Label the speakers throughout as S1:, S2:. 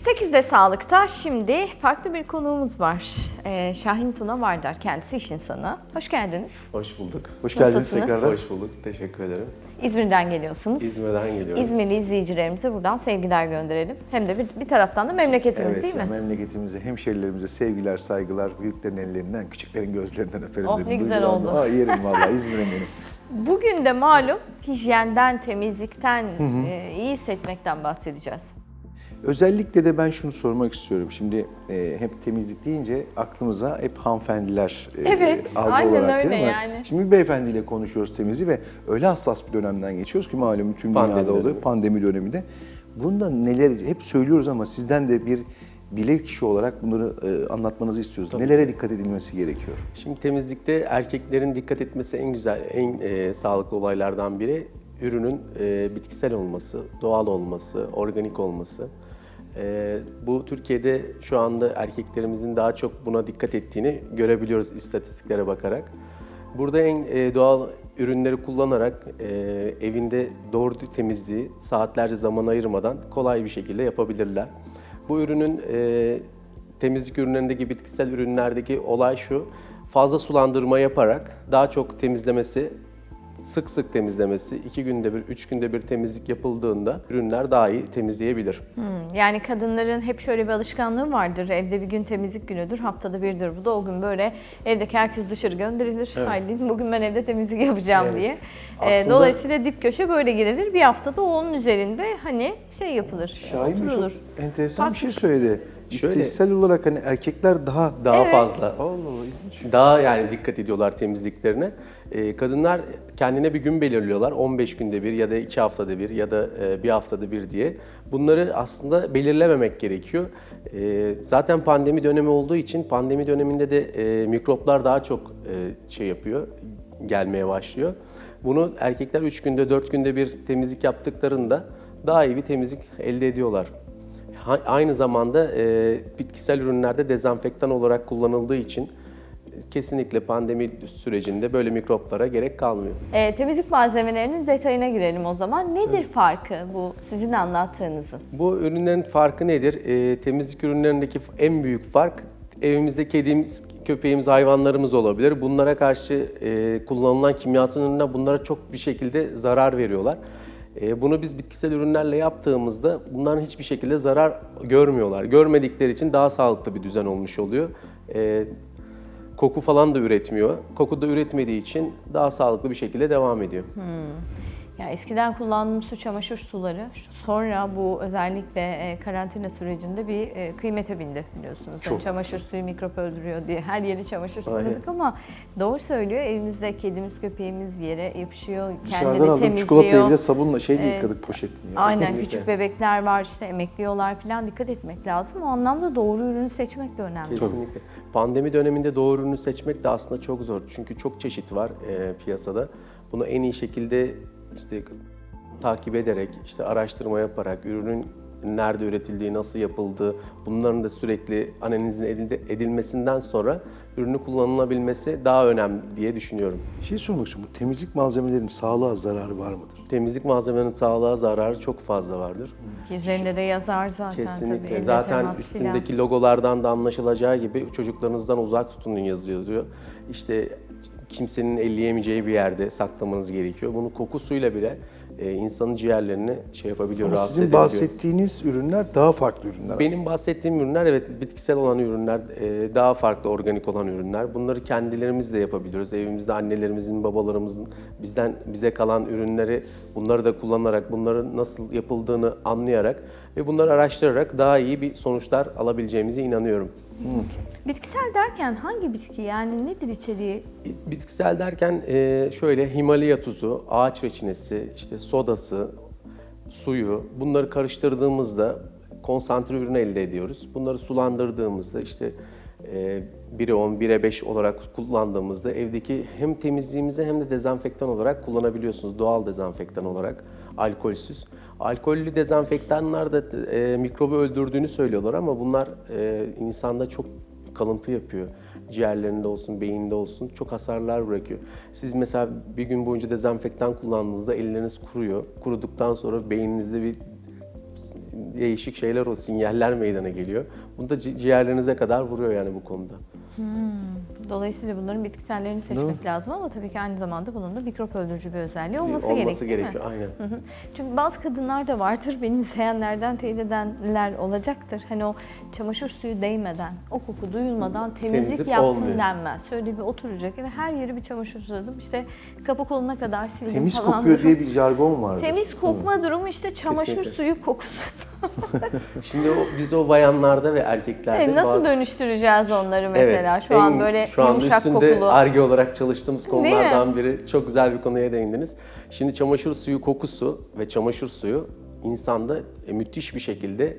S1: 8'de Sağlık'ta şimdi farklı bir konuğumuz var. Şahin Tuna Vardar, kendisi iş insanı. Hoş geldiniz.
S2: Hoş bulduk.
S3: Hoş geldiniz
S1: Nasılsınız?
S3: tekrardan.
S2: Hoş bulduk. Teşekkür ederim.
S1: İzmir'den geliyorsunuz.
S2: İzmir'den geliyorum.
S1: İzmirli izleyicilerimize buradan sevgiler gönderelim. Hem de bir taraftan da memleketimiz
S3: Evet,
S1: değil mi?
S3: memleketimize, hemşerilerimize sevgiler, saygılar, büyüklerin ellerinden, küçüklerin gözlerinden öperim
S1: Oh,
S3: dedim.
S1: ne güzel
S3: Duygulandım.
S1: oldu.
S3: Aa, yerim vallahi İzmir'im benim.
S1: Bugün de malum hijyenden, temizlikten, iyi hissetmekten bahsedeceğiz.
S3: Özellikle de ben şunu sormak istiyorum. Şimdi hep temizlik deyince aklımıza hep hanımefendiler
S1: Evet,
S3: algı
S1: aynen
S3: olarak
S1: öyle
S3: değil mi?
S1: yani.
S3: Şimdi bir beyefendiyle konuşuyoruz temizliği ve öyle hassas bir dönemden geçiyoruz ki malum tüm
S2: Pandemi
S3: dünyada oluyor.
S2: dönemi.
S3: Pandemi döneminde. Bunda neler hep söylüyoruz ama sizden de bir bilirkişi olarak bunları anlatmanızı istiyoruz. Nelere dikkat edilmesi gerekiyor?
S2: Şimdi temizlikte erkeklerin dikkat etmesi en güzel, en sağlıklı olaylardan biri ürünün bitkisel olması, doğal olması, organik olması. Bu Türkiye'de şu anda erkeklerimizin daha çok buna dikkat ettiğini görebiliyoruz istatistiklere bakarak. Burada en doğal ürünleri kullanarak evinde doğru temizliği saatlerce zaman ayırmadan kolay bir şekilde yapabilirler. Bu ürünün temizlik ürünlerindeki bitkisel ürünlerdeki olay şu: fazla sulandırma yaparak daha çok temizlemesi, sık sık temizlemesi, 2 günde bir, 3 günde bir temizlik yapıldığında ürünler daha iyi temizleyebilir.
S1: Yani kadınların hep şöyle bir alışkanlığı vardır. Evde bir gün temizlik günüdür, haftada birdir bu da. O gün böyle evdeki herkes dışarı gönderilir.
S2: Evet.
S1: Haydi bugün ben evde temizlik yapacağım
S2: Evet.
S1: diye.
S2: Aslında-
S1: Dolayısıyla dip köşe böyle girilir. Bir haftada onun üzerinde hani şey yapılır,
S3: Şahin Bey
S1: oturulur.
S3: çok enteresan bir şey söyledi.
S2: Şöyle-
S3: İstatistiksel olarak hani erkekler daha...
S2: Daha fazla,
S3: Allah Allah, ilginç.
S2: daha yani dikkat ediyorlar temizliklerine. Kadınlar kendine bir gün belirliyorlar. 15 günde bir ya da 2 haftada bir ya da bir haftada bir diye. Bunları aslında belirlememek gerekiyor. Zaten pandemi dönemi olduğu için pandemi döneminde de mikroplar daha çok şey yapıyor, gelmeye başlıyor. Bunu erkekler 3 günde 4 günde bir temizlik yaptıklarında daha iyi bir temizlik elde ediyorlar. Aynı zamanda bitkisel ürünlerde dezenfektan olarak kullanıldığı için kesinlikle pandemi sürecinde böyle mikroplara gerek kalmıyor.
S1: Temizlik malzemelerinin detayına girelim o zaman. Nedir farkı bu sizin anlattığınızın?
S2: Bu ürünlerin farkı nedir? Temizlik ürünlerindeki en büyük fark, evimizde kedimiz, köpeğimiz, hayvanlarımız olabilir. Bunlara karşı kullanılan kimyasal ürünler bunlara çok bir şekilde zarar veriyorlar. Bunu biz bitkisel ürünlerle yaptığımızda bunların hiçbir şekilde zarar görmüyorlar. Görmedikleri için daha sağlıklı bir düzen olmuş oluyor. Koku falan da üretmiyor. Koku da üretmediği için daha sağlıklı bir şekilde devam ediyor.
S1: Ya eskiden kullandığım su çamaşır suları sonra bu özellikle karantina sürecinde bir kıymete bindi biliyorsunuz. Yani
S3: Çok.
S1: çamaşır suyu mikrop öldürüyor diye her yeri çamaşır
S2: Aynen.
S1: suladık ama doğru söylüyor. Evimizde kedimiz köpeğimiz yere yapışıyor,
S3: Dışarıdan
S1: kendini
S3: aldığım
S1: temizliyor.
S3: çikolatayı bile sabunla şeyle yıkadık poşetini.
S1: Aynen,
S2: Kesinlikle.
S1: küçük bebekler var işte emekliyorlar falan, dikkat etmek lazım. O anlamda doğru ürünü seçmek de önemli.
S2: Kesinlikle. Pandemi döneminde doğru ürünü seçmek de aslında çok zor. Çünkü çok çeşit var piyasada. Bunu en iyi şekilde işte takip ederek, işte araştırma yaparak, ürünün nerede üretildiği, nasıl yapıldığı, bunların da sürekli analizin edilmesinden sonra ürünü kullanılabilmesi daha önemli diye düşünüyorum.
S3: Bir şey sormak istiyorum. Bu temizlik malzemelerinin sağlığa zararı var mıdır?
S2: Temizlik malzemelerinin sağlığa zararı çok fazla vardır.
S1: Ki üzerinde de yazar zaten tabii.
S2: Kesinlikle.
S1: elle
S2: Zaten
S1: temas
S2: üstündeki logolardan da anlaşılacağı gibi çocuklarınızdan uzak tutun yazıyor. İşte kimsenin elleyemeyeceği bir yerde saklamanız gerekiyor. Bunu kokusuyla bile insanın ciğerlerini şey yapabiliyor,
S3: Ama
S2: rahatsız
S3: sizin
S2: edebiliyor.
S3: bahsettiğiniz ürünler daha farklı ürünler.
S2: Benim bahsettiğim ürünler evet bitkisel olan ürünler, daha farklı organik olan ürünler. Bunları kendilerimiz de yapabiliyoruz. Evimizde annelerimizin, babalarımızın bize kalan ürünleri bunları da kullanarak, bunların nasıl yapıldığını anlayarak ve bunları araştırarak daha iyi bir sonuçlar alabileceğimize inanıyorum.
S1: Bitkisel derken hangi bitki, yani nedir içeriği?
S2: Bitkisel derken şöyle Himalaya tuzu, ağaç reçinesi, işte sodası, suyu bunları karıştırdığımızda konsantre ürün elde ediyoruz. Bunları sulandırdığımızda işte 1'e 10, 1'e 5 olarak kullandığımızda evdeki hem temizliğimize hem de dezenfektan olarak kullanabiliyorsunuz. Doğal dezenfektan olarak, alkolsüz. Alkollü dezenfektanlar da mikrobu öldürdüğünü söylüyorlar ama bunlar insanda çok kalıntı yapıyor. Ciğerlerinde olsun, beyinde olsun çok hasarlar bırakıyor. Siz mesela bir gün boyunca dezenfektan kullandığınızda elleriniz kuruyor. Kuruduktan sonra beyninizde bir değişik şeyler, o sinyaller meydana geliyor. Bunu da ciğerlerinize kadar vuruyor yani bu konuda.
S1: Dolayısıyla bunların bitkisellerini seçmek lazım ama tabii ki aynı zamanda bunun da mikrop öldürücü bir özelliği olması
S2: Olması
S1: değil mi?
S2: gerekiyor, aynen.
S1: Hı hı. Çünkü bazı kadınlar da vardır, beni izleyenlerden teyit edenler olacaktır. Hani o çamaşır suyu değmeden, o koku duyulmadan temizlik yaptım
S2: olmuyor.
S1: denmez. Şöyle bir oturacak ve her yeri bir çamaşır suladım. İşte kapı koluna kadar sildim
S3: Temiz
S1: falan.
S3: kokuyor diye bir jargon vardı.
S1: Temiz kokma durumu işte çamaşır
S2: Kesinlikle.
S1: suyu kokusu.
S2: Şimdi biz o bayanlarda ve erkeklerde
S1: Nasıl dönüştüreceğiz onları mesela? Şu an böyle
S2: şu anda
S1: yumuşak
S2: üstünde
S1: kokulu.
S2: Ar-Ge olarak çalıştığımız
S1: Değil mi?
S2: konulardan biri. Çok güzel bir konuya değindiniz. Şimdi çamaşır suyu kokusu ve çamaşır suyu insanda müthiş bir şekilde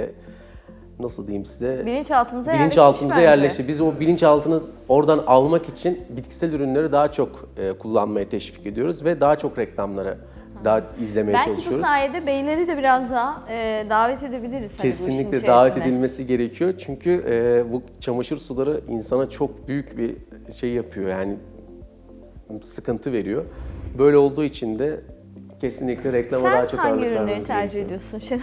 S2: nasıl diyeyim size?
S1: Bilinçaltımıza
S2: yerleşti. Biz o bilinçaltını oradan almak için bitkisel ürünleri daha çok kullanmaya teşvik ediyoruz ve daha çok reklamlara daha izlemeye
S1: Belki
S2: çalışıyoruz.
S1: bu sayede beyleri de biraz daha davet edebiliriz. Hani bu işin
S2: Kesinlikle davet
S1: içerisine.
S2: edilmesi gerekiyor. Çünkü bu çamaşır suları insana çok büyük bir şey yapıyor. Yani sıkıntı veriyor. Böyle olduğu için de kesinlikle reklama daha
S1: Sen
S2: çok
S1: hangi
S2: ağırlık
S1: ürünleri
S2: vermemiz
S1: tercih
S2: gerekiyor.
S1: ediyorsun Şenol?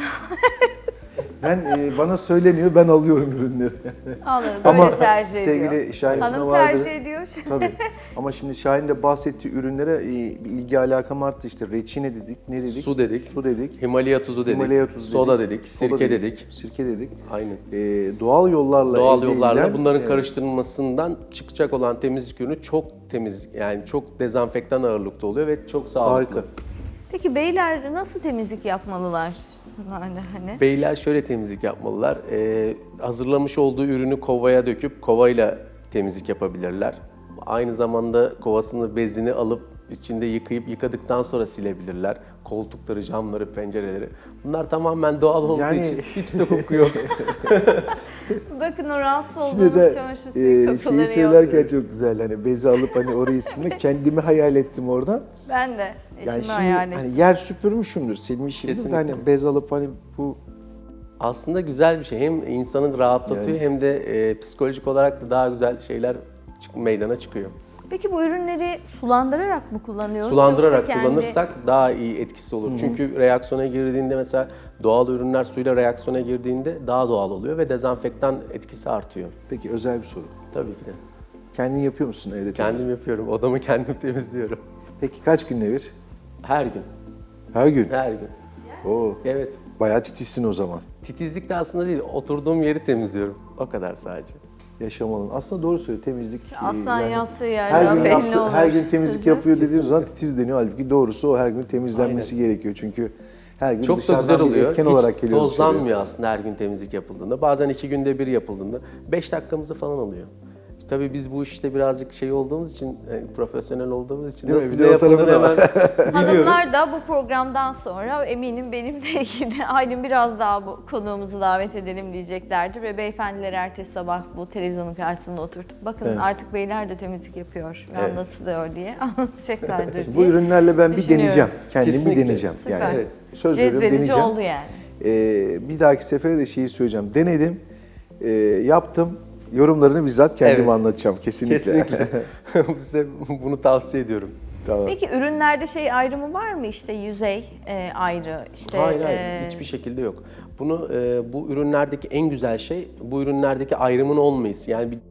S3: Ben bana söyleniyor, ben alıyorum ürünleri.
S1: Anladım,
S3: Ama
S1: böyle tercih ediyor.
S3: sevgili Şahin
S1: Hanım
S3: vardır.
S1: tercih ediyor.
S3: Tabii. Ama şimdi Şahin de bahsettiği ürünlere bir ilgi alakam arttı. İşte reçine dedik, ne dedik?
S2: Su dedik.
S3: Su dedik.
S2: Himalaya tuzu dedik.
S3: Himalaya tuzu
S2: Soda dedik.
S3: soda
S2: Sirke dedik.
S3: Sirke dedik.
S2: Aynen.
S3: Doğal yollarla
S2: Doğal
S3: elde
S2: yollarla
S3: edilen,
S2: bunların karıştırılmasından çıkacak olan temizlik ürünü çok temiz, yani çok dezenfektan ağırlıkta oluyor ve çok sağlıklı.
S3: harika.
S1: Peki beyler nasıl temizlik yapmalılar? Hani.
S2: Beyler şöyle temizlik yapmalılar. Hazırlamış olduğu ürünü kovaya döküp kovayla temizlik yapabilirler. Aynı zamanda kovasını, bezini alıp içinde yıkadıktan sonra silebilirler. Koltukları, camları, pencereleri. Bunlar tamamen doğal olduğu
S3: Yani-
S2: için hiç de koku yok.
S1: Bakın o rahatsız
S3: Şimdi
S1: olduğunuz
S3: mesela
S1: çamaşır suyu kokuları
S3: şeyi
S1: yok.
S3: söylerken çok güzel, hani bezi alıp hani orayı silmek, kendimi hayal ettim oradan.
S1: Ben de eşimi
S3: Yani şimdi
S1: hayal ettim.
S3: hani yer süpürmüşümdür, silmişimdir de
S2: Kesinlikle.
S3: hani bez alıp hani bu
S2: Aslında güzel bir şey. Hem insanı rahatlatıyor hem de psikolojik olarak da daha güzel şeyler meydana çıkıyor.
S1: Peki bu ürünleri sulandırarak mı kullanıyoruz?
S2: Sulandırarak
S1: Yoksa kendi-
S2: kullanırsak daha iyi etkisi olur. Çünkü reaksiyona girdiğinde, mesela doğal ürünler suyla reaksiyona girdiğinde daha doğal oluyor ve dezenfektan etkisi artıyor.
S3: peki özel bir soru.
S2: Tabii ki de.
S3: Kendin yapıyor musun evde?
S2: Kendim yapıyorum. Odamı kendim temizliyorum.
S3: Peki kaç günde bir?
S2: Her gün.
S3: Her gün.
S2: Her gün.
S3: Oo,
S2: Evet.
S3: bayağı titizsin o zaman.
S2: Titizlik de aslında değil. Oturduğum yeri temizliyorum. O kadar sadece.
S3: Yaşamalın. Aslında doğru söylüyor, temizlik.
S1: Aslan yattığı
S3: her
S1: yerden
S3: gün
S1: belli olur.
S3: her gün temizlik
S1: Sözü.
S3: yapıyor dediğimiz zaman titiz deniyor. Halbuki doğrusu o her gün temizlenmesi gerekiyor. Çünkü her gün
S2: Çok da
S3: dışarıdan
S2: güzel
S3: bir
S2: oluyor.
S3: etken
S2: Hiç
S3: olarak geliyoruz dışarıya.
S2: tozlanmıyor aslında her gün temizlik yapıldığında. Bazen 2 günde bir yapıldığında 5 dakikamızı falan alıyor. Tabii biz bu işte birazcık şey olduğumuz için, profesyonel olduğumuz için
S3: Değil mi?
S2: nasıl
S3: Bir
S2: ne
S3: de o tarafı
S2: yapıldığını
S3: da var.
S2: hemen biliyoruz.
S1: Hanımlar da bu programdan sonra eminim benimle ilgili Aylin biraz daha bu konuğumuzu davet edelim diyeceklerdir ve beyefendiler ertesi sabah bu televizyonun karşısında oturtup bakın artık beyler de temizlik yapıyor ve
S2: Evet.
S1: anlatılıyor diye anlatacaklardır
S3: Bu
S1: diye.
S3: ürünlerle ben bir
S1: düşünüyorum.
S3: deneyeceğim. Kendim bir
S2: Kesinlikle.
S3: deneyeceğim.
S1: Süper.
S3: Yani
S2: Evet.
S3: söz veriyorum,
S1: Cezbedici
S3: deneyeceğim.
S1: oldu yani.
S3: Bir dahaki sefere de şeyi söyleyeceğim. Denedim, yaptım. Yorumlarını bizzat kendim
S2: Evet.
S3: anlatacağım kesinlikle.
S2: Kesinlikle. Size bunu tavsiye ediyorum.
S3: Tamam.
S1: Peki ürünlerde şey ayrımı var mı işte yüzey ayrı işte
S2: Hayır, hiçbir şekilde yok. Bunu bu ürünlerdeki en güzel şey, bu ürünlerdeki ayrımın olmayız. Yani bir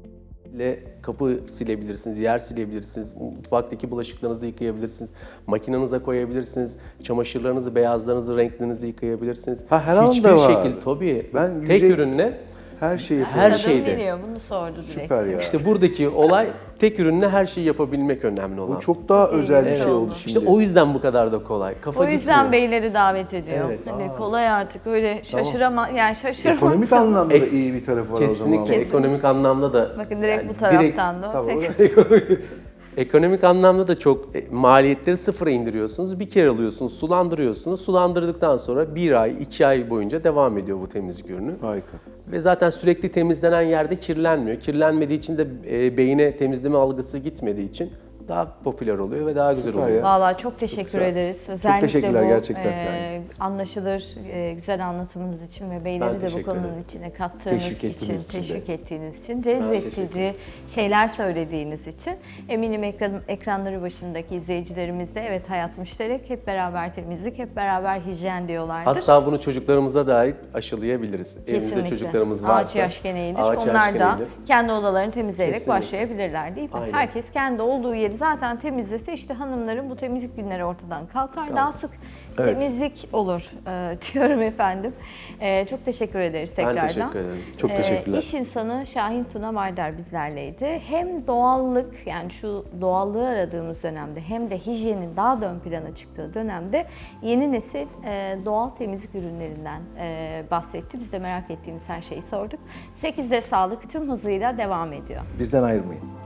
S2: kapı silebilirsiniz, yer silebilirsiniz, mutfaktaki bulaşıklarınızı yıkayabilirsiniz, makinenize koyabilirsiniz, çamaşırlarınızı, beyazlarınızı, renklerinizi yıkayabilirsiniz.
S3: Ha, her anda
S2: Hiçbir
S3: var.
S2: şekilde tabii.
S3: Ben
S2: tek
S3: yüzey-
S2: ürünle
S3: Her şeyi
S2: Her
S3: yapıyorum.
S1: Kadın
S2: şeyde.
S1: biliyor, bunu sordu direkt.
S3: Süper ya.
S2: işte buradaki olay tek ürünle her şeyi yapabilmek önemli olan.
S3: Bu çok daha özel bir
S1: Evet.
S3: şey oldu şimdi.
S2: İşte o yüzden bu kadar da kolay. Kafa
S1: O yüzden
S2: gitmiyor.
S1: beyleri davet ediyor.
S2: Evet.
S1: Hani kolay artık öyle şaşırama yani şaşırma.
S3: Ekonomik anlamda da iyi bir tarafı var o zaman.
S2: Kesinlikle ekonomik anlamda da.
S1: Bakın direkt
S2: yani
S1: bu taraftan da.
S3: Tamam.
S1: Peki.
S2: Ekonomik anlamda da çok maliyetleri sıfıra indiriyorsunuz. Bir kere alıyorsunuz, sulandırıyorsunuz. Sulandırdıktan sonra 1 ay, 2 ay boyunca devam ediyor bu temizlik ürünü.
S3: Harika.
S2: Ve zaten sürekli temizlenen yerde kirlenmiyor. Kirlenmediği için de beyine temizleme algısı gitmediği için daha popüler oluyor ve daha güzel
S3: Süper
S2: oluyor.
S3: ya.
S1: Vallahi çok teşekkür
S2: güzel.
S1: ederiz. Özellikle
S3: teşekkürler
S1: bu
S3: gerçekten yani.
S1: anlaşılır, güzel anlatımınız için ve beyleri de bu
S2: teşekkür
S1: konunun
S2: ederim.
S1: içine kattığınız
S3: Teşvik
S1: için,
S3: ettiğiniz için de.
S1: teşvik ettiğiniz için,
S2: teşekkür
S1: cezbedici şeyler söylediğiniz için eminim ekranları başındaki izleyicilerimiz de evet hayat müşterek, hep beraber temizlik, hep beraber hijyen diyorlardır.
S2: Hatta bunu çocuklarımıza dair aşılayabiliriz. Evimizde
S1: Kesinlikle.
S2: çocuklarımız varsa.
S1: Ağaç yaş geneğidir.
S2: ağaç
S1: Onlar
S2: yaş
S1: da
S2: geneğidir.
S1: kendi odalarını temizleyerek
S2: Kesinlikle.
S1: başlayabilirler değil mi?
S2: Aynen.
S1: Herkes kendi olduğu yeri zaten temizlese işte hanımların bu temizlik günleri ortadan kalkar. Daha sık
S3: Evet.
S1: temizlik olur diyorum efendim. Çok teşekkür ederiz tekrardan.
S2: Ben teşekkür ederim.
S3: Çok teşekkürler.
S1: İş insanı Şahin Tuna Vardar bizlerleydi. Hem doğallık, yani şu doğallığı aradığımız dönemde, hem de hijyenin daha da ön plana çıktığı dönemde yeni nesil doğal temizlik ürünlerinden bahsetti. Biz de merak ettiğimiz her şeyi sorduk. 8'de sağlık tüm hızıyla devam ediyor.
S3: Bizden ayrılmayın.